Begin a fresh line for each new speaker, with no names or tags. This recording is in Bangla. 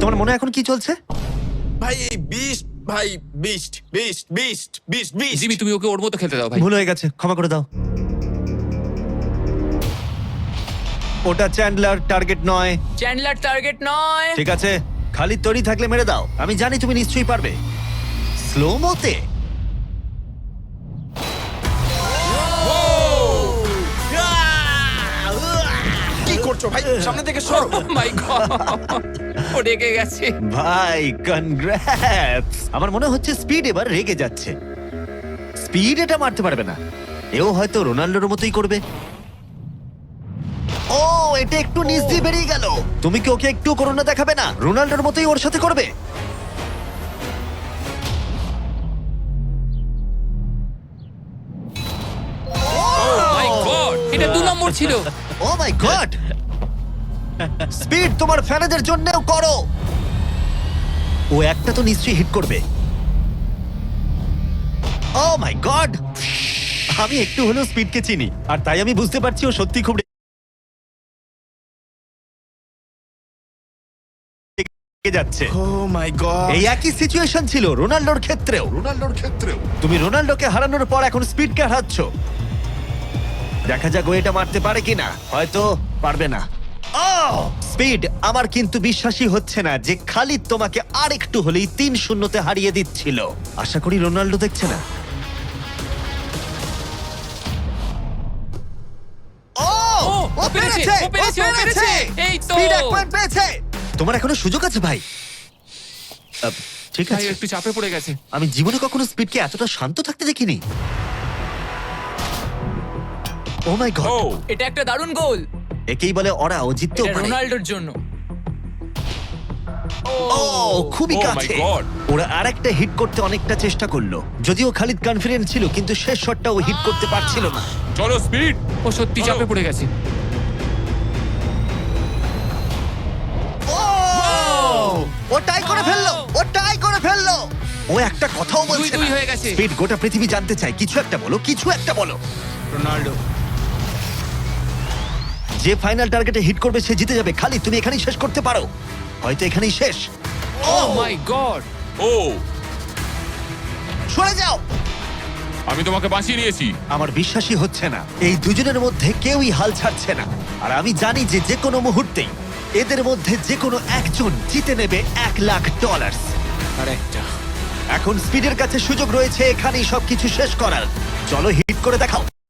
তোমার মনে এখন কি চলছে?
ভাই এই বিস্ট, ভাই beast beast beast beast beast.
Jimmy, তুমি ওকে ওর মতো খেলতে দাও ভাই।
ভুল হয়ে গেছে, ক্ষমা করে দাও। ওটা চ্যান্ডলার, টার্গেট নয়।
চ্যান্ডলার টার্গেট নয়।
ঠিক আছে, খালি তৈরি থাকলে মেরে দাও। আমি জানি তুমি নিশ্চয়ই পারবে। স্লো মোতে
কি করছো ভাই? সামনে থেকে সরো।
মাই গড, ও রেগে গেছে।
ভাই কনগ্রাটস। আমার মনে হচ্ছে স্পিড এবার রেগে যাচ্ছে। স্পিড এটা মারতে পারবে না। এও হয়তো রোনাল্ডোর মতোই করবে। ও, এটা একটু নিচ দিয়ে বেরিয়ে গেল। তুমি কি ওকে একটু করোনা দেখাবে না? রোনাল্ডোর মতোই ওর সাথে করবে।
মাই গড, এটা 2 নম্বর ছিল।
ও মাই গড! স্পিড তোমার ফ্যানেদের জন্যও করো। ও একটা তো নিশ্চয়ই হিট করবে। Oh my god! আমি একটু হলেও স্পিডকে চিনি, আর তাই আমি বুঝতে পারছি ও সত্যি খুব রেগে যাচ্ছে।
Oh my god.
এই একই সিচুয়েশন ছিল রোনাল্ডোর ক্ষেত্রেও। তুমি রোনাল্ডোকে হারানোর পর এখন স্পিডকে হারাচ্ছ। দেখা যাক ও এটা মারতে পারে কিনা। হয়তো পারবে না। স্পিড, আমার কিন্তু বিশ্বাসই হচ্ছে না যে খালিদ তোমাকে আর একটু হলেই 3-0-তে হারিয়ে দিচ্ছিল। আশা করি রোনাল্ডো দেখছে না।
ও পেরেছে, ও পেরেছে। এই তো।
স্পিড 1 পয়েন্ট পেয়েছে। তোমার এখনো সুযোগ আছে ভাই। ঠিক
ভাই
আছে,
একটু চাপে পড়ে গেছে।
আমি জীবনে কখনো স্পিডকে এতটা শান্ত থাকতে দেখিনি। Oh my god!
এটা একটা দারুণ গোল।
একেই বলে ওরা ও জিততেও
এটা
পারে।
রোনাল্ডোর জন্য।
ও, খুবই
Oh my
কাছে।
God!
ওরা আরেকটা হিট করতে অনেকটা চেষ্টা করলো। যদিও খালিদ কনফিডেন্ট ছিল, কিন্তু শেষ শটটা ও হিট করতে পারছিল না।
চলো স্পিড। ও সত্যি চাপে পড়ে গেছে।
ও টাই করে ফেললো, ও টাই করে ফেললো। ও একটা কথাও বলছে
2-2
না।
হয়ে গেছে।
স্পিড, গোটা পৃথিবী জানতে চায়, কিছু একটা বলো, কিছু একটা বলো।
রোনাল্ডো।
যে ফাইনাল টার্গেটে হিট করবে সে জিতে যাবে। খালিদ, তুমি এখানেই শেষ করতে পারো। হয়তো এখানেই শেষ।
ও মাই গড।
ও,
সরে যাও।
আমি তোমাকে বাঁচিয়ে নিয়েছি।
আমার বিশ্বাসই হচ্ছে না এই দুজনের মধ্যে কেউই হাল ছাড়ছে না। আর আমি জানি যে যে কোনো মুহূর্তেই এদের মধ্যে যে কোনো একজন জিতে নেবে $1,00,000।
আরেকটা।
এখন স্পিডের কাছে সুযোগ রয়েছে এখানেই সবকিছু শেষ করার। চলো হিট করে দেখাও।